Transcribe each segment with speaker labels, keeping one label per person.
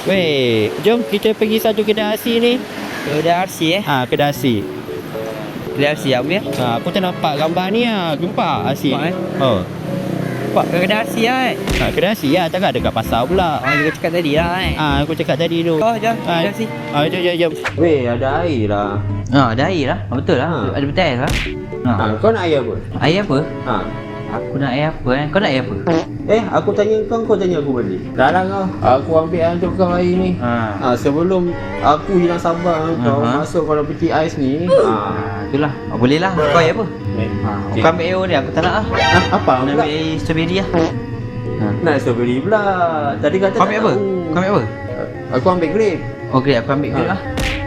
Speaker 1: Weh, jom kita pergi satu kedai nasi ni.
Speaker 2: Kedai RC
Speaker 1: Kedai nasi.
Speaker 2: Kedai RC apa ya?
Speaker 1: Aku tak nampak gambar ni Jumpa nasi.
Speaker 2: Nampak,
Speaker 1: Oh.
Speaker 2: Nampak kedai RC
Speaker 1: Kedai nasi takkan dekat pasar pula.
Speaker 2: Juga cakap tadi lah
Speaker 1: Aku cakap tadi tu.
Speaker 2: Oh, jom. Kedai RC.
Speaker 1: Jom. Weh, ada air lah.
Speaker 2: Ada air lah. Betul lah. Ada betul lah.
Speaker 1: Kau nak air apa?
Speaker 2: Air apa? Aku nak air apa Kau nak air apa?
Speaker 1: Aku tanya kau tanya aku balik. Dah lah kau. Aku ambil untuk kau air ni. Sebelum aku hilang sabar kau masuk kalau peti ais ni.
Speaker 2: Itulah. Boleh lah. Kau air apa? Kau ambil air ni aku tak nak lah.
Speaker 1: Apa?
Speaker 2: Nak ambil air strawberry lah.
Speaker 1: Nak strawberry pula. Tadi kata
Speaker 2: Kau ambil apa? Kau ambil apa?
Speaker 1: Aku ambil grape.
Speaker 2: Oh, grape. Aku ambil grape lah.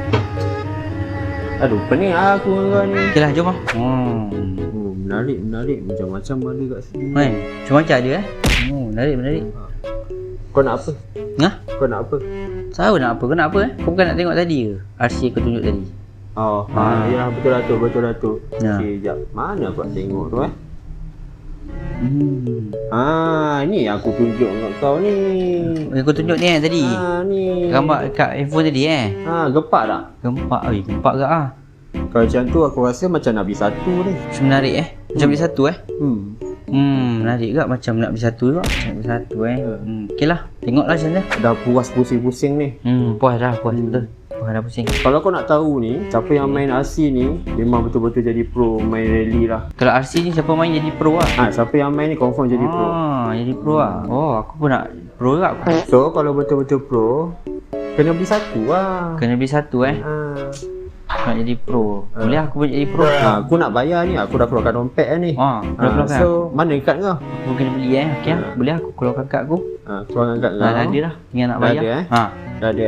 Speaker 1: Aduh, pening aku dengan kau ni.
Speaker 2: Okey lah, jom lah.
Speaker 1: Menarik. Macam-macam ada kat sini.
Speaker 2: Macam-macam ada menarik.
Speaker 1: Kau nak apa? Kau nak apa?
Speaker 2: Tahu nak apa? Kau nak apa Kau bukan nak tengok tadi ke? RC aku tunjuk tadi.
Speaker 1: Ya, betul lah tu. Okey, jap. Mana aku nak tengok tu ni aku tunjuk kat kau ni.
Speaker 2: Aku tunjuk ni tadi.
Speaker 1: Ni.
Speaker 2: Gambar kat handphone tadi
Speaker 1: Gempak tak?
Speaker 2: Gempak ke
Speaker 1: Kalau macam tu aku rasa macam nak beli satu ni.
Speaker 2: Macam menarik Macam beli satu menarik ke macam nak beli satu juga. Macam beli satu Okey lah. Tengoklah macam mana.
Speaker 1: Dah puas pusing-pusing ni.
Speaker 2: Puas betul. Puas dah pusing.
Speaker 1: Kalau kau nak tahu ni, siapa yang main RC ni memang betul-betul jadi pro main rally lah.
Speaker 2: Kalau RC ni siapa main jadi pro lah?
Speaker 1: Siapa yang main ni confirm jadi pro.
Speaker 2: Jadi pro lah. Aku pun nak pro juga.
Speaker 1: So kalau betul-betul pro, kena beli satu lah.
Speaker 2: Kena beli satu nak jadi pro. Boleh aku pun jadi pro.
Speaker 1: Aku nak bayar ni, aku dah keluarkan dompet ni. So mana kad kau?
Speaker 2: Aku kena beli Okey lah. Boleh aku keluarkan kad aku.
Speaker 1: Keluarkan kad kau.
Speaker 2: Dah ada lah. Tinggal nak bayar.
Speaker 1: Dah ada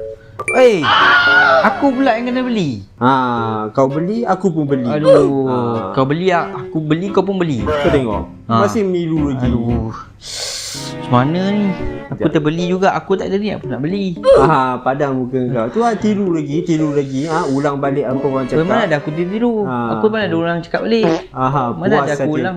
Speaker 2: Aku pula yang kena beli.
Speaker 1: Kau beli, aku pun beli.
Speaker 2: Aduh. Kau beli, aku beli, kau pun beli.
Speaker 1: Kau tengok. Masih meniru lagi.
Speaker 2: Macam mana ni? Aku terbeli juga. Aku tak ada ni, aku nak beli.
Speaker 1: Padang muka kau. Tu tiru lagi. Ulang balik apa orang cakap.
Speaker 2: Mana ada aku tiru. Aku mana ada orang cakap balik. Mana ada aku ulang.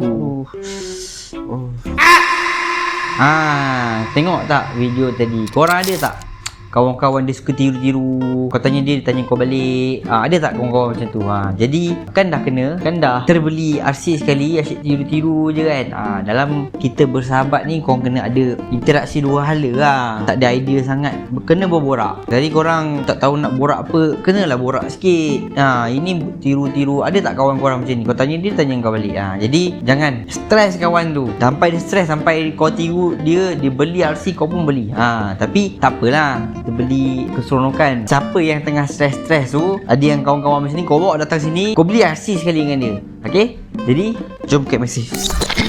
Speaker 2: Tengok tak video tadi? Korang ada tak kawan-kawan dia suka tiru-tiru? Kau tanya dia tanya kau balik. Ada tak kawan-kawan macam tu? Jadi kan dah terbeli RC sekali, asyik tiru-tiru je kan. Dalam kita bersahabat ni korang kena ada interaksi dua hala lah. Tak ada idea sangat, kena berborak. Jadi korang tak tahu nak borak apa, kenalah borak sikit. Ini tiru-tiru. Ada tak kawan korang macam ni? Kau tanya dia tanya kau balik. Jadi jangan stres kawan tu. Sampai dia stres, sampai kau tiru dia beli RC kau pun beli. Tapi tak apalah, kita beli keseronokan. Siapa yang tengah stres-stres tu, ada yang kawan-kawan macam ni, kau bawa datang sini, kau beli RC sekali dengan dia. Okey? Jadi jom ke mesej.